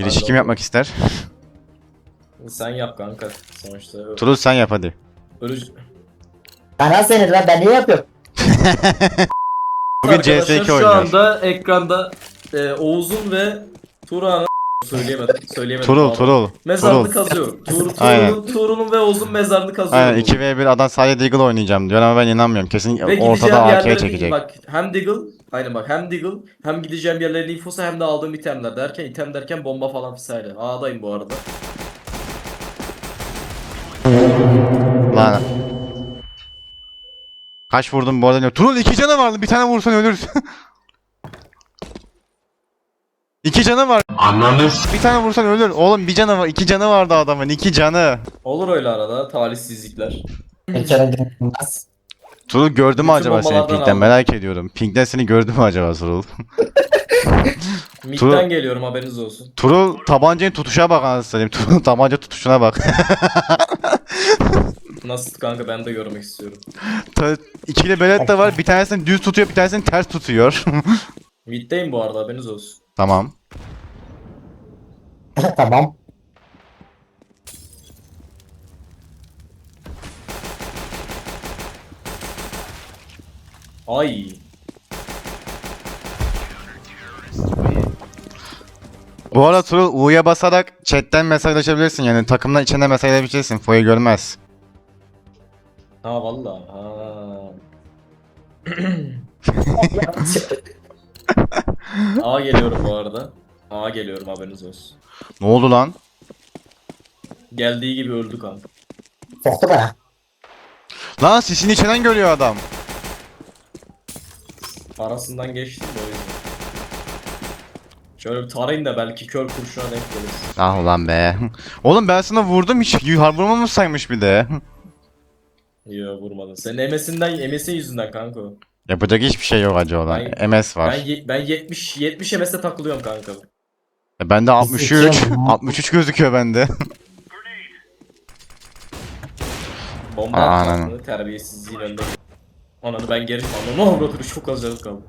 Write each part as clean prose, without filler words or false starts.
Girişi kim yapmak ister? Sen yap kanka. Sonuçta Turul sen yap hadi. ölücü. Bana seni lan, ben ne yapıyorum? Bugün Arkadaşlar CS2 şu oynuyoruz. anda ekranda Oğuz'un ve Turan'ın söyleyemedim. Turul, pardon. Turul. Mezarını Turul. kazıyorum. Aynen. Tuğrul'un ve Oğuz'un mezarını kazıyorum. Aynen bugün. 2v1 adam sadece Deagle oynayacağım diyor ama ben inanmıyorum. Kesin Ve gideceğim ortada AK yerlere çekecek. bak hem Deagle aynen bak hem Deagle hem gideceğim yerlerin infosu hem de aldığım itemler derken item derken bomba falan vesaire. A'dayım bu arada. Lan. Kaç vurdum bu arada? Turul 2 canı vardı. Bir tane vursan ölürsün. 2 canı var. Bir tane vursan ölür. Oğlum bir canı var. 2 canı vardı adamın. 2 canı. Olur öyle arada talihsizlikler. Bir kere dinlemez. Turul gördü mü Bütün acaba seni bombalardan Pink'ten? aldım. Merak ediyorum. Pink'ten seni gördü mü acaba Turul? Mid'den geliyorum haberiniz olsun. Turul tabancayı tutuşa bak anasını satayım. Turul tabanca tutuşuna bak. Nasıl kanka ben de görmek istiyorum. İkili belet de var. Bir tanesini düz tutuyor, bir tanesini ters tutuyor. Mid'deyim bu arada haberiniz olsun. Tamam. Tamam. Ay. Bu arada Turul U'ya basarak chatten mesajlaşabilirsin yani takımdan içine mesajlaşabilirsin. Foyu görmez. Ha valla. Ha. A geliyorum bu arada. A geliyorum haberiniz olsun. Ne oldu lan? Geldiği gibi öldü kanka. Soktu bana. Lan sisini içinden görüyor adam. Arasından geçtim de o yüzden. Şöyle bir tarayın da belki kör kurşuna denk gelir. Ah ulan be. Oğlum ben sana vurdum hiç vurmamış saymış bir de. Yo vurmadın. Senin MS'in yüzünden kanka o. Yapacak hiçbir şey yok acı olan. MS var. Ben 70 MS'e takılıyorum kanka. Bende 63. Sıçıyorum. 63 gözüküyor bende. Bomba Aa, atmasını ananı. terbiyesizliğin önünde. Ananı ben geri ananı avradır çok az canım kaldı.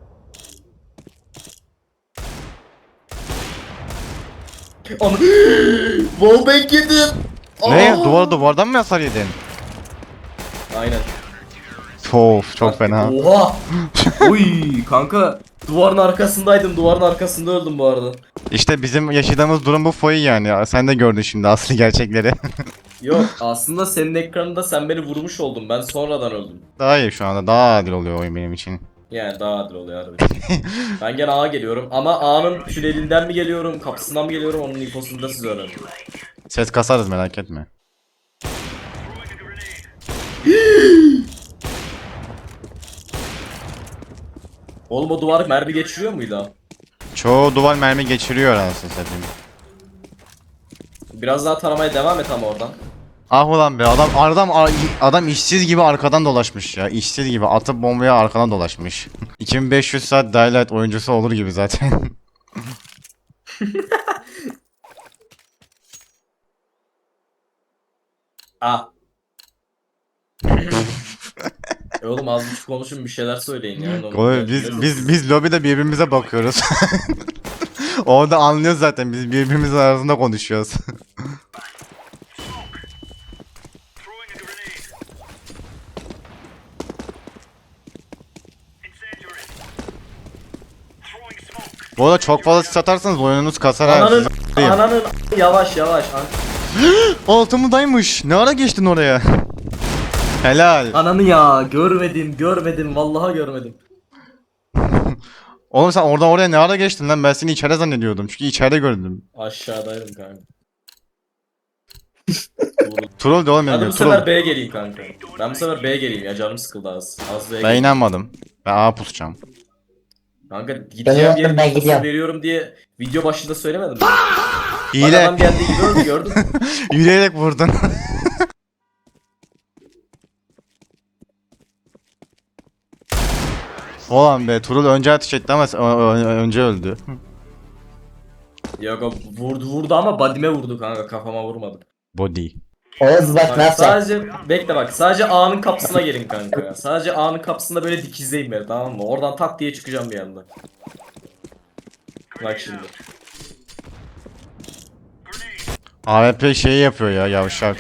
Ananı wallbang yedim. Ne? Aa! Duvardan mı hasar yedin? Aynen. Of çok fena. Oha. Oy kanka. Duvarın arkasındaydım. Duvarın arkasında öldüm bu arada. İşte bizim yaşadığımız durum bu Foyu yani. Sen de gördün şimdi asli gerçekleri. Yok aslında senin ekranında sen beni vurmuş oldun. Ben sonradan öldüm. Daha iyi şu anda. Daha adil oluyor oyun benim için. Yani daha adil oluyor harbi. Ben gene A'ya geliyorum ama A'nın tünelinden mi geliyorum, kapısından mı geliyorum onun infosunu da siz öğrenin. Ses kasarız merak etme. Oğlum o duvar mermi geçiriyor muydu ha? Çoğu duvar mermi geçiriyor anasını satayım. Biraz daha taramaya devam et ama oradan. Ah ulan be adam işsiz gibi arkadan dolaşmış ya. İşsiz gibi atıp bombaya arkadan dolaşmış. 2500 saat Daylight oyuncusu olur gibi zaten. A. Oğlum az buçuk konuşun bir şeyler söyleyin ya. Oğlum, biz lobide birbirimize bakıyoruz. Orada anlıyoruz zaten biz birbirimizin arasında konuşuyoruz. Bu arada çok fazla sis atarsanız oyununuz kasar ha. Ananın, sizi a**ayım. ananın yavaş. Altımdaymış. Ne ara geçtin oraya? Helal. Ananı ya görmedim vallahi görmedim. Oğlum sen oradan oraya ne ara geçtin lan? Ben seni içeride zannediyordum. Çünkü içeride gördüm. Aşağıdaydım kanka. Troll de oğlum Hadi benim. bu sefer Troll. B'ye geleyim kanka. Ben bu sefer B'ye geleyim ya canım sıkıldı az. Az B'ye Ben geleyim. inanmadım. Ben A pusacağım. Kanka gideceğim Ben diye gidiyorum. infosunu veriyorum diye video başında söylemedim mi? Bak Hile. adam geldiği gibi öldü gördün mü? Yürüyerek vurdun. Ulan be Turul önce ateş etti ama önce öldü. Yok o vurdu ama badime vurdu kanka kafama vurmadı. Body. Oğuz bak Bak, nasıl? sadece bekle bak sadece A'nın kapısına gelin kanka ya. Sadece A'nın kapısında böyle dikizleyin beni tamam mı? Oradan tak diye çıkacağım bir anda. Bak şimdi. AWP şeyi yapıyor ya yavşak.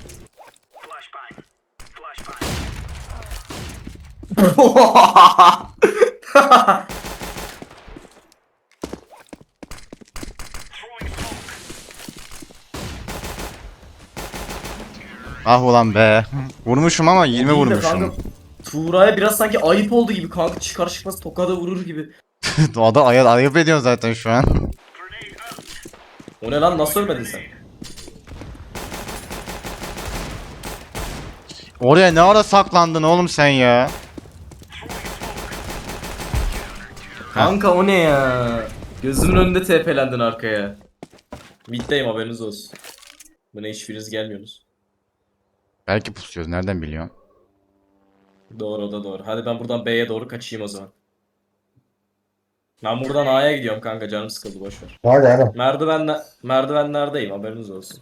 Ah ulan be. Vurmuşum ama 20 Değil de vurmuşum. kanka, Tuğra'ya biraz sanki ayıp oldu gibi kanka, çıkar çıkmaz tokada vurur gibi. O da ayıp ediyorsun zaten şu an. O ne lan, nasıl ölmedin sen? Oraya ne ara saklandın oğlum sen ya? Kanka o ne ya? Gözümün önünde TP'lendin arkaya. Mid'deyim, haberiniz olsun. Buna hiçbiriniz gelmiyorsunuz. Belki pusuyoruz nereden biliyorsun? Doğru, o da doğru. Hadi ben buradan B'ye doğru kaçayım o zaman. Ben buradan A'ya gidiyorum kanka, canım sıkıldı, boşver. Ne oluyor oğlum? Merdivenlerdeyim, haberiniz olsun.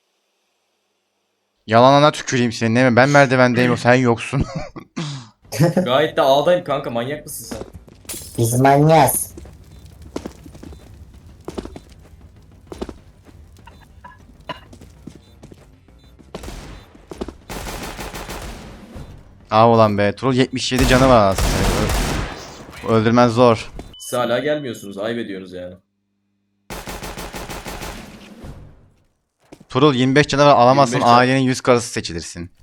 Yalanına tüküreyim senin değil mi? Ben merdivendeyim o sen yoksun. Gayet de A'dayım kanka, manyak mısın sen? Biz manyağız. Ah ulan be. Troll 77 canı var aslında. Öldürmen zor. Siz hala gelmiyorsunuz, ayıp ediyorsunuz yani. Troll 25 canı var alamazsın 25 can. ailenin 100 karısı seçilirsin.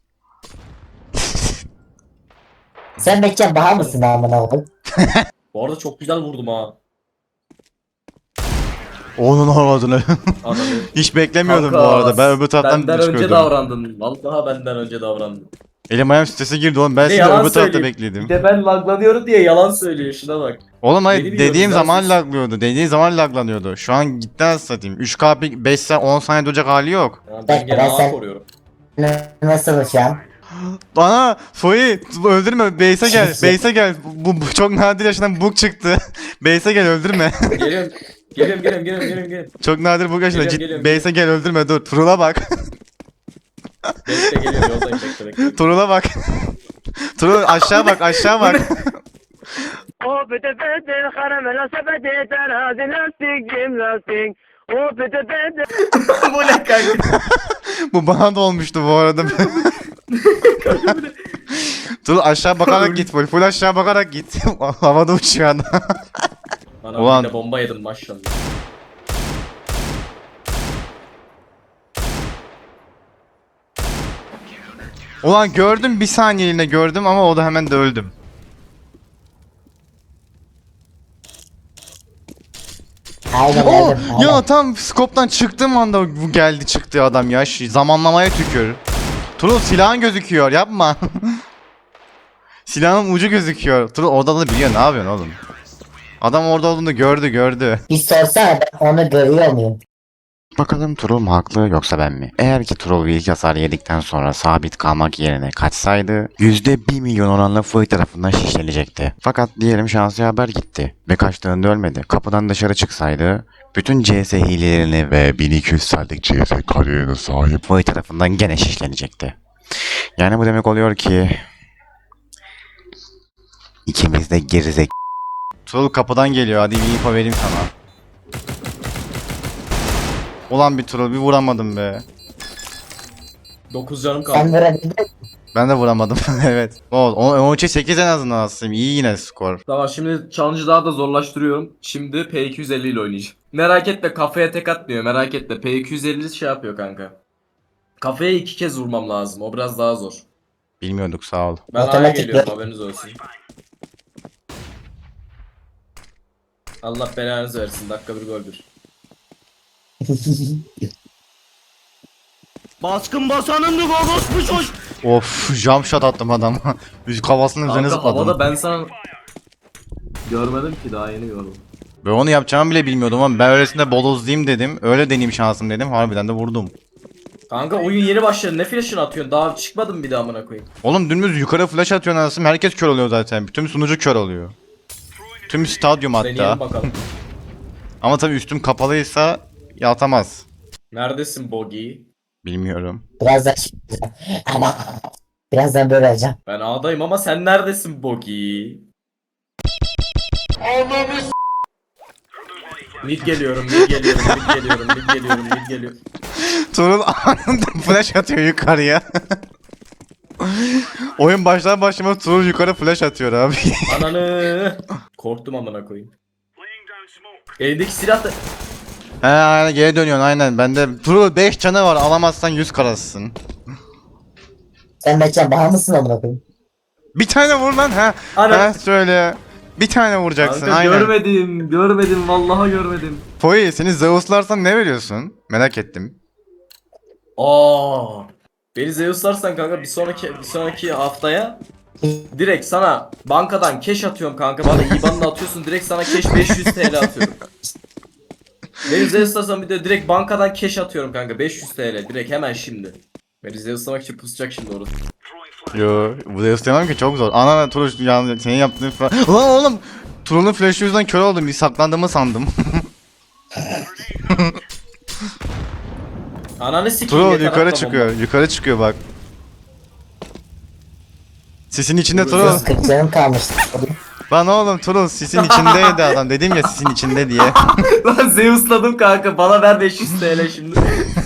Sen Bekçen Bahar mısın amına koyayım? Bu arada çok güzel vurdum ha. Onun olmadığını. Adamı. Hiç beklemiyordum Kanka, bu arada. Ben öbür taraftan benden önce çıkıyordum. davrandın. Vallahi benden önce davrandın. Elim ayağım strese girdi oğlum. Ben Bir de sizi yalan öbür tarafta söyleyeyim. bekledim. Bir de ben laglanıyorum diye yalan söylüyor, şuna bak. Oğlum hayır Beni biliyoruz, dediğim ben zaman siz- laglıyordu. Dediğim zaman laglanıyordu. Şu an gitti satayım. 3K 5 saniye 10 saniye duracak hali yok. Ya ben Ben gene A sen- koruyorum. Nasıl şu an? Bana Foyi öldürme. Base'e gel. Base'e gel. Bu çok nadir yaşanan bug çıktı. Base'e gel öldürme. Geliyorum. Geliyorum. Çok nadir bug yaşanan. Geliyorum. Base'e gel öldürme dur. Turul'a bak. Bekle, geliyorum, yoldayım, bekle. Turul'a bak. Turul aşağı bak aşağı bak. O pete pete karamela sepeti terazi lastik cim lastik. O pete pete. Bu ne kanka? Bu bana da olmuştu bu arada. Turul aşağı bakarak git. Full aşağı bakarak git. Havada uçuyor adam. Bana Ulan. bir de bomba yedim maşallah. Ulan gördüm bir saniyeliğine gördüm ama o da hemen de öldüm. Aynen Oh, öyle. Aynen. ya tam skoptan çıktığım anda bu geldi çıktı adam ya. Zamanlamaya tükür. Turul silahın gözüküyor yapma. Silahın ucu gözüküyor. Turul orada da biliyor ne yapıyorsun oğlum. Adam orada olduğunu gördü. Bir sorsana ben onu görüyor muyum? Bakalım Troll mu haklı yoksa ben mi? Eğer ki Troll ilk hasar yedikten sonra sabit kalmak yerine kaçsaydı %1 milyon oranla Foy tarafından şişlenecekti. Fakat diyelim şansı haber gitti ve kaçtığında ölmedi. Kapıdan dışarı çıksaydı bütün CS hilelerini ve 1200 saatlik CS kariyerine sahip Foy tarafından gene şişlenecekti. Yani bu demek oluyor ki ikimiz de gerizek. Troll kapıdan geliyor hadi bir info vereyim sana. Ulan bir troll bir vuramadım be. 9 canım Sen kaldı. vurabildin mi? Ben de vuramadım evet. O 8 en azından aslında iyi yine skor. Tamam, şimdi challenge'ı daha da zorlaştırıyorum. Şimdi P250 ile oynayacağım. Merak etme, kafaya tek atmıyor, merak etme. P250 şey yapıyor kanka. Kafaya 2 kez vurmam lazım, o biraz daha zor. Bilmiyorduk sağ ol. Ben A'ya Otomatik geliyorum, bir- haberiniz olsun. Allah belanızı versin, dakika bir gol bir. Baskın basanındı orospu çoş. Of jump shot attım adama. Üst kafasının üzerine Kanka havada zıpladım. ben sana... Görmedim ki, daha yeni gördüm. Ben onu yapacağımı bile bilmiyordum ama ben öylesine bodozlayayım dedim. Öyle deneyeyim şansım dedim. Harbiden de vurdum. Kanka oyun yeni başladı, ne flash'ını atıyorsun, daha çıkmadım bir daha amına koyayım. Oğlum dümdüz yukarı flash atıyorsun anasını. Herkes kör oluyor zaten. Tüm sunucu kör oluyor. Tüm stadyum hatta. Deneyelim bakalım. Ama tabii üstüm kapalıysa atamaz. Neredesin Bogi? Bilmiyorum. Birazdan ama birazdan böyle olacağım. Ben A'dayım ama sen neredesin Bogi? Mid geliyorum, mid geliyorum, mid geliyorum, mid geliyorum, mid geliyorum. Turul anında flash atıyor yukarıya. Oyun başlar başlamaz Turul yukarı flash atıyor abi. Ananı. Korktum amına koyayım. Elindeki silah da... He aynen geri dönüyorsun aynen. Bende Turul 5 canı var, alamazsan 100 karasısın. Sen Mertcan bağ mısın amına koyayım? Bir tane vur lan ha. Ana. Ha söyle. Bir tane vuracaksın Kanka aynen. görmedim, vallahi görmedim. Poi seni Zeus'larsan ne veriyorsun? Merak ettim. Aa. Beni Zeus'larsan kanka bir sonraki haftaya direkt sana bankadan cash atıyorum kanka. Bana IBAN'ını atıyorsun, direkt sana cash 500 TL atıyorum. Beni Zeus'larsan bir de direkt bankadan cash atıyorum kanka, 500 TL direkt hemen şimdi. Beni Zeus'lamak için pusacak şimdi orası. Yo, bu Zeus demem ki çok zor. Ana Turul yani senin yaptığın falan. Lan oğlum Turul'un flash'ı yüzünden kör oldum. Bir saklandığımı sandım. Ananı sikeyim. Turul yeter yukarı atma çıkıyor. Yukarı çıkıyor bak. Sisin içinde Turul. Turul. 140 canım kalmıştı. Lan oğlum Turul sisin içindeydi adam. Dedim ya sisin içinde diye. bomba. Lan Zeus'ladım kanka, bana ver 500 TL şimdi.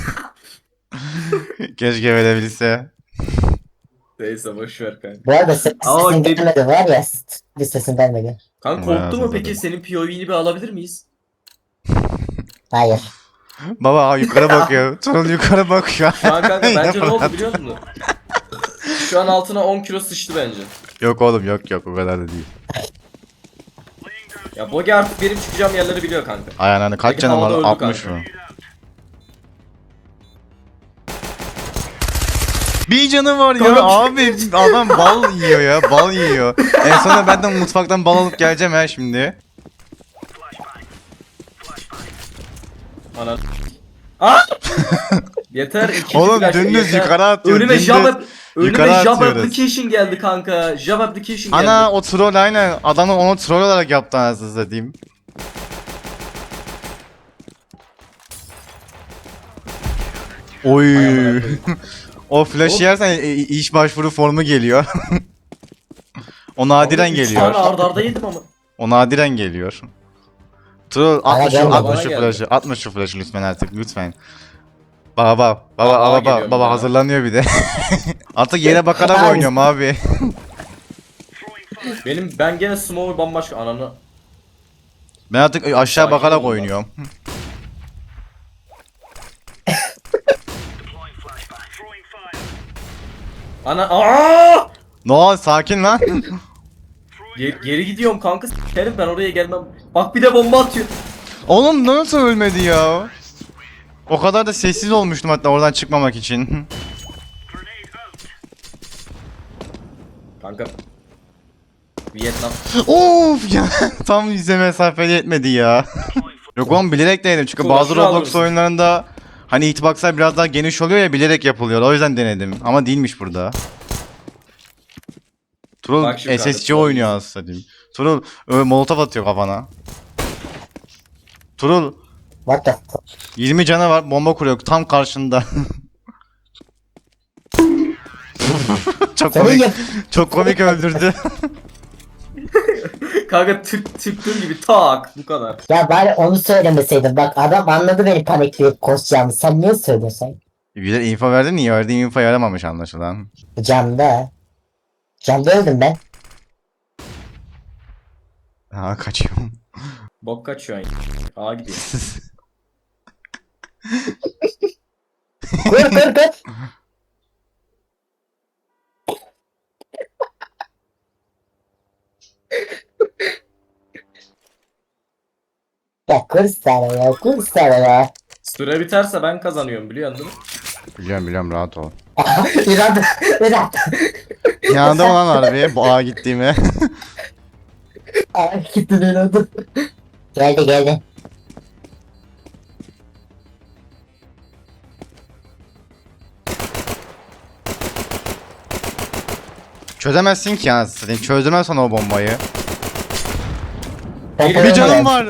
Keşke verebilse. Neyse boşver kanka. Bu arada Ama sesin dedi- gelmedi var ya. Bir sesin gelmedi. Kanka Bayağı korktu mu zorladım. peki, senin POV'ni bir alabilir miyiz? Hayır. Baba yukarı bakıyor. Turul yukarı bakıyor. Şu an kanka bence ne oldu Yapamadım. biliyor musun? Şu an altına 10 kilo sıçtı bence. Yok oğlum yok o kadar da değil. Ya Bogi artık benim çıkacağım yerleri biliyor kanka. Aynen hani kaç Peki, canım var? havada öldü 60 kanka. mı? Bir canı var ya Kanka. abi adam bal yiyor ya bal yiyor. En sonunda ben de mutfaktan bal alıp geleceğim ha şimdi. Ana. Aa! Yeter, ikinci Oğlum flash, dümdüz yeter. yukarı atıyor. Önüme dümdüz. Java yukarı Java atıyoruz. application geldi kanka. Java application geldi. Ana o troll aynen. Adamı onu troll olarak yaptı anasını satayım. Oy. Ay amına koyayım. O flash Oğlum. yersen iş başvuru formu geliyor. O nadiren Oğlum, üç geliyor. tane arda arda yedim ama. O nadiren geliyor. Troll Bana atma şu, gelmedi. atma Bana şu geldi. flash'ı. Atma şu flash'ı lütfen artık lütfen. Baba Aa, geliyorum baba ya. hazırlanıyor bir de. Artık yere bakarak Abi. oynuyorum abi. Ben gene smoke bambaşka ananı. Ben artık aşağı Sakin bakarak olun lan. oynuyorum. Ana aa! No sakin lan. Geri gidiyorum kanka. S**erim ben oraya gelmem. Bak bir de bomba atıyor. Oğlum nasıl ölmedi ya? O kadar da sessiz olmuştum hatta oradan çıkmamak için. Kanka. Vietnam. Of ya tam yüze mesafeli yetmedi ya. Yok oğlum bilerek denedim çünkü Kulak bazı şunu Roblox alırsın. oyunlarında hani hitboxlar biraz daha geniş oluyor ya bilerek yapılıyor o yüzden denedim ama değilmiş burada. Turul Bak şimdi kanka, SSC Turul. oynuyor aslında diyeyim. Turul molotof atıyor kafana. Turul What the fuck? 20 canı var bomba kuruyor tam karşında. Çok Senin komik. yap... Çok komik öldürdü. Kanka tıktığım gibi tak bu kadar. Ya bari onu söylemeseydin. Bak adam anladı beni panikleyip koşacağımı. Sen niye söylüyorsun? Güzel info verdin niye? Verdiğim info yaramamış anlaşılan. Camda. Camda öldüm ben. Ha kaçıyorum. Bok kaçıyor aynı. A gidiyor. Kur. Ya kur sana ya. Süre biterse ben kazanıyorum biliyorsun değil mi? Biliyorum rahat ol. İrad. Yanında mı lan harbi bu ağa gittiğime? Ay gitti İrad. Geldi. Çözemezsin ki anasını satayım. Çözdürmezsen o bombayı. Ben Bir kazandım. canım var.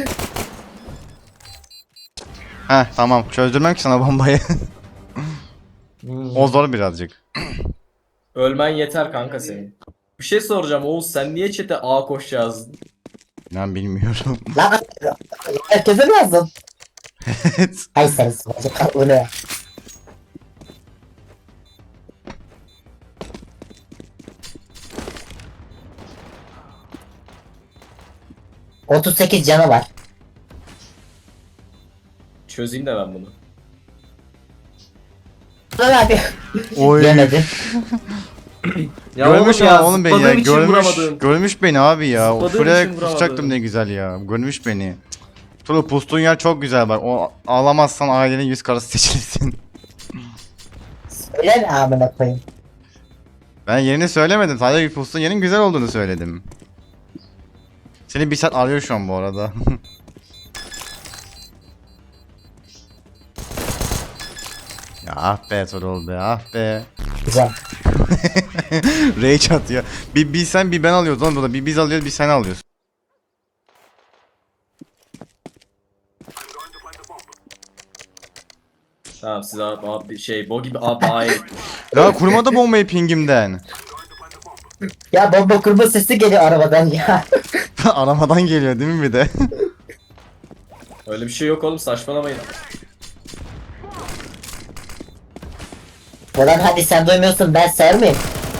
Heh tamam çözdürmem ki sana bombayı. O zor birazcık. Ölmen yeter kanka senin. Bir şey soracağım Oğuz, sen niye chat'e A koş yazdın? Ben bilmiyorum. Lan Herkese mi yazdın? Evet. Hay sen sıvacı kal bu ne? ...38 canı var. Çözeyim de ben bunu. Lan abi. Oy. Yemedim. Ya Görmüş oğlum ama oğlum beni ya. zıpladığım için Görmüş. vuramadım. Görmüş beni abi ya. O Zıpladığım şuraya için vuramadım. pusacaktım ne güzel ya. Görmüş beni. Tulu pustuğun yer çok güzel bak. O ağlamazsan ailenin yüz karası seçilsin. Öyle mi amına koyayım? Ben yerini söylemedim. Sadece pustuğun yerin güzel olduğunu söyledim. Seni bir saat arıyor şu an bu arada. Ya ah be Torol be ah be. Güzel. Rage atıyor. Bir sen bir ben alıyoruz lan burada. Bir biz alıyoruz bir sen alıyorsun. Tamam siz abi şey bo gibi abi hayır. Ya kurmadı bombayı pingimden. Ya bomba kurma sesi geliyor arabadan ya. Aramadan geliyor değil mi bir de? Öyle bir şey yok oğlum saçmalamayın. Ulan hadi sen duymuyorsun ben ser miyim?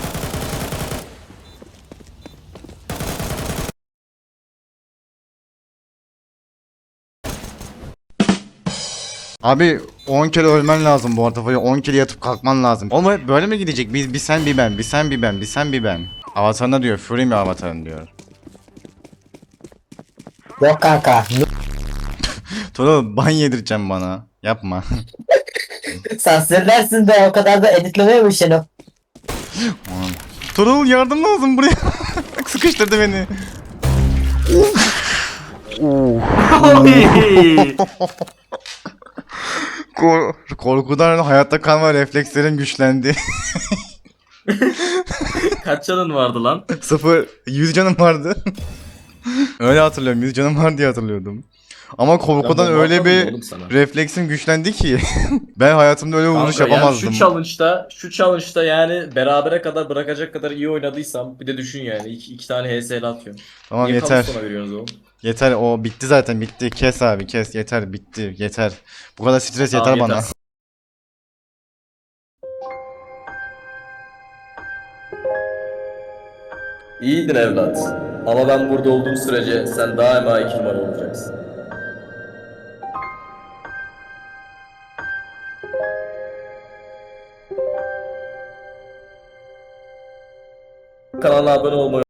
Abi 10 kere ölmen lazım bu arada. 10 kere yatıp kalkman lazım. Oğlum böyle mi gidecek? Bir sen bir ben, bir sen bir ben, bir sen bir ben. Avatarına diyor. Fury mi avatarın diyor. Yok kanka. Tolu ban yedireceğim bana. Yapma. Sansürlersin de o kadar da editlemeye mi şunu? Tolu yardım lazım buraya. Sıkıştırdı beni. Korkudan hayatta kalma reflekslerim güçlendi. Kaç canın vardı lan? 100 canım vardı. Öyle hatırlıyorum 100 canım var diye hatırlıyordum. Ama korkudan bomba öyle atmadım bir oğlum sana. refleksim güçlendi ki. Ben hayatımda öyle vuruş Kanka, yani yapamazdım. şu challenge'da yani berabere kadar bırakacak kadar iyi oynadıysam bir de düşün yani iki tane HSL atıyorum. Tamam Niye yeter. kamu sona veriyorsunuz oğlum? Yeter o bitti zaten bitti. Kes abi kes yeter bitti yeter. Bu kadar stres Tamam, yeter bana. yeter. İyiydin evlat. Ama ben burada olduğum sürece sen daima 2 numara olacaksın. Kanala abone olmayı